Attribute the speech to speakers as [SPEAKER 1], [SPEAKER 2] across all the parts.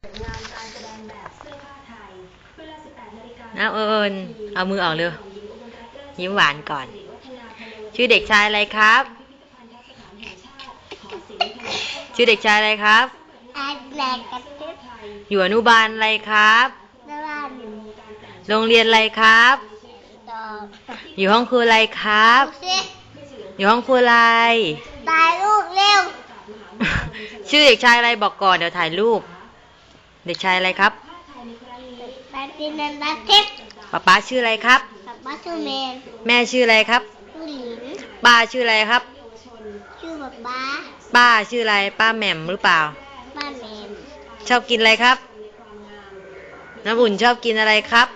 [SPEAKER 1] น้าเอิญเอามือออกเร็วยิ้มหวานก่อนชื่อเด็กชายอะไรครับชื่อเด็กชายอะไรครับอยู่อนุบาลอะไรครับโรงเรียนอะไรครับอยู่ห้องครูอะไรครับอยู่ห้องครูอะไร
[SPEAKER 2] ถ่ายรูปเร็ว
[SPEAKER 1] ชื่อเด็กชายอะไรบอกก่อนเดี๋ยวถ่ายรูปเด็กชายอะไรครับ
[SPEAKER 2] ปาตินันตาเท็
[SPEAKER 1] ป๊าชื่ออะไรครับ
[SPEAKER 2] ป๊าชื่อแมน
[SPEAKER 1] แม่ชื่ออะไรครับ
[SPEAKER 2] ชื่อหลิน
[SPEAKER 1] ป้าชื่ออะไรครับ
[SPEAKER 2] ชื่อป๊า
[SPEAKER 1] ป้าชื่ออะไรป้าแหม่มหรือเปล่า
[SPEAKER 2] ป้าแมน
[SPEAKER 1] ชอบกินอะไรครับน้ำอุ่นชอบกินอะไรครับ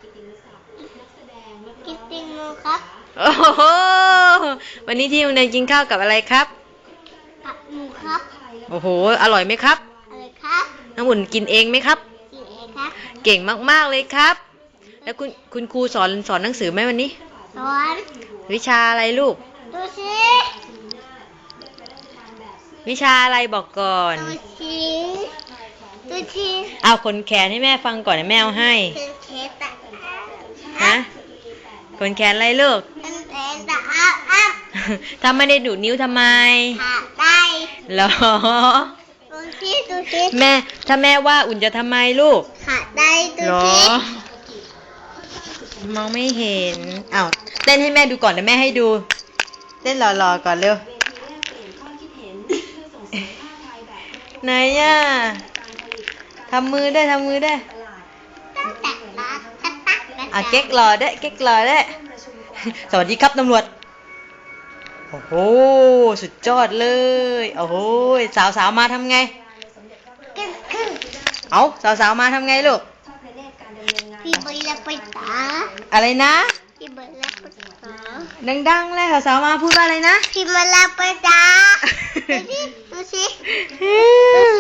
[SPEAKER 2] กินติงโมครับ
[SPEAKER 1] โอ้โหวันนี้ที่โรงเรียนกินข้าวกับอะไรครับ
[SPEAKER 2] กับหมูครับ
[SPEAKER 1] โอ้โหอร่อยไหมครับ
[SPEAKER 2] อะไรครับ
[SPEAKER 1] น้ำอุ่นกินเองไหมครับ
[SPEAKER 2] กินเองครับ
[SPEAKER 1] เก่งมากๆเลยครับแล้วคุณครูสอนหนังสือไหมวันนี้
[SPEAKER 2] สอน
[SPEAKER 1] วิชาอะไรลูก
[SPEAKER 2] ดูสิ
[SPEAKER 1] วิชาอะไรบอกก่อน
[SPEAKER 2] ดูสิ
[SPEAKER 1] เอาขนแขนให้แม่ฟังก่อนแม่เอาให้ฮะขนแขนอะไรลูกถ้าไม่ได้ดูดนิ้วทำไม
[SPEAKER 2] ได้
[SPEAKER 1] หรอ
[SPEAKER 2] ดูสิ
[SPEAKER 1] แม่ถ้าแม่ว่าอุ่นจะทำไมลูก
[SPEAKER 2] ได้ดูสิ
[SPEAKER 1] มองไม่เห็นอ้าวเต้นให้แม่ดูก่อนเดี๋ยวแม่ให้ดูเต้นหล่อๆก่อนเร็วไหนอ่ะทำมือได้เก๊กหล่อได้สวัสดีครับตำรวจโอ้โหสุดยอดเลยโอ้โหสาวมาทำไงเอาสาวมาทำไงลูก
[SPEAKER 2] พี่เบลล์ไปตา
[SPEAKER 1] อะไรนะ
[SPEAKER 2] พี่เบลล์ไปตา
[SPEAKER 1] ดังๆเลยสาวมาพูดว่าอะไรนะ
[SPEAKER 2] พี่เบลล์ไปตาดูสิ